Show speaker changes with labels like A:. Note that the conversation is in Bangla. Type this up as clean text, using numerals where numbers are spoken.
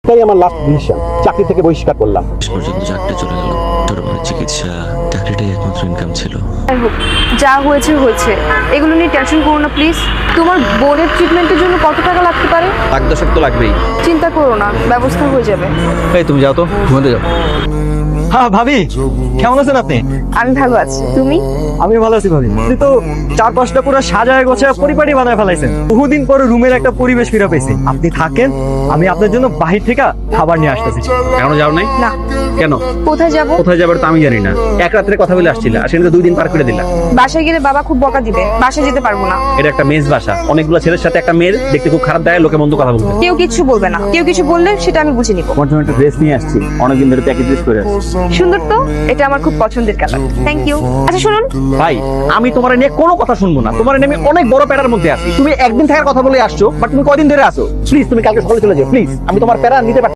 A: তাই আমার লাস্ট ডিসিশন, চাকরি থেকে বহিষ্কার করলাম।
B: শেষ পর্যন্ত চাকরি চলে গেল। ছোট বড় চিকিৎসা, চাকরিটাই একমাত্র ইনকাম ছিল।
C: যাই হোক, যা হয়েছে হয়েছে, এগুলো নিয়ে টেনশন করো না প্লিজ। তোমার বোনের ট্রিটমেন্টের জন্য কত টাকা লাগতে পারে?
D: লাখ দশেক তো লাগবেই।
C: চিন্তা করো না, ব্যবস্থা হয়ে যাবে।
D: এই তুমি যাও তো, ঘুমাতে যাও।
E: হ্যাঁ ভাবি, কেমন আছেন আপনি?
C: আমি ভালো আছি, তুমি?
E: আমি ভালো আছি ভাবি। আপনি তো চার পাঁচটা পুরো সাজায় গোছায় পরিপাটি বানায় ফেলাইছেন। বহুদিন পরে রুমের একটা পরিবেশ ফিরে পেয়েছি। আপনি থাকেন, আমি আপনার জন্য বাহির থেকে খাবার নিয়ে আসতেছি।
D: এখনো যাও নাই?
C: না।
D: কেন?
C: কোথায় যাব?
D: কোথায় যাবার তো আমি জানি না। এক রাত্রে কথা বলে আসছিলা, আর সেটা 2 দিন পার করে দিলা।
C: বাসায় গেলে বাবা খুব বকা দিবে, বাসায় যেতে পারবো না।
D: এটা একটা মেজ বাসা, অনেকগুলো ছেলের সাথে একটা মেয়ের দেখতে খুব খারাপ দেয়, লোকে মন্দ কথা বলবে।
C: কেউ কিছু বলবে না, কেউ কিছু বললে সেটা আমি বুঝে নিব।
D: তোমার জন্য একটা ড্রেস নিয়ে আসছি, অনেকদিন ধরে প্যাকেজ ড্রেস করে আসছি।
C: সুন্দর তো, এটা আমার খুব পছন্দের কালার। Thank you. আচ্ছা শুনুন,
D: ভাই, আমি তোমার নিয়ে কোনো কথা শুনবো না। তোমার নিয়ে আমি অনেক বড় প্যারার মধ্যে আছি। তুমি একদিন থাকার কথা বলে আসছো, বাট তুমি কয়দিন ধরে আসো? প্লিজ তুমি কালকে সকালে চলে যাও, প্লিজ। আমি তোমার প্যারা নিতে পারছি না।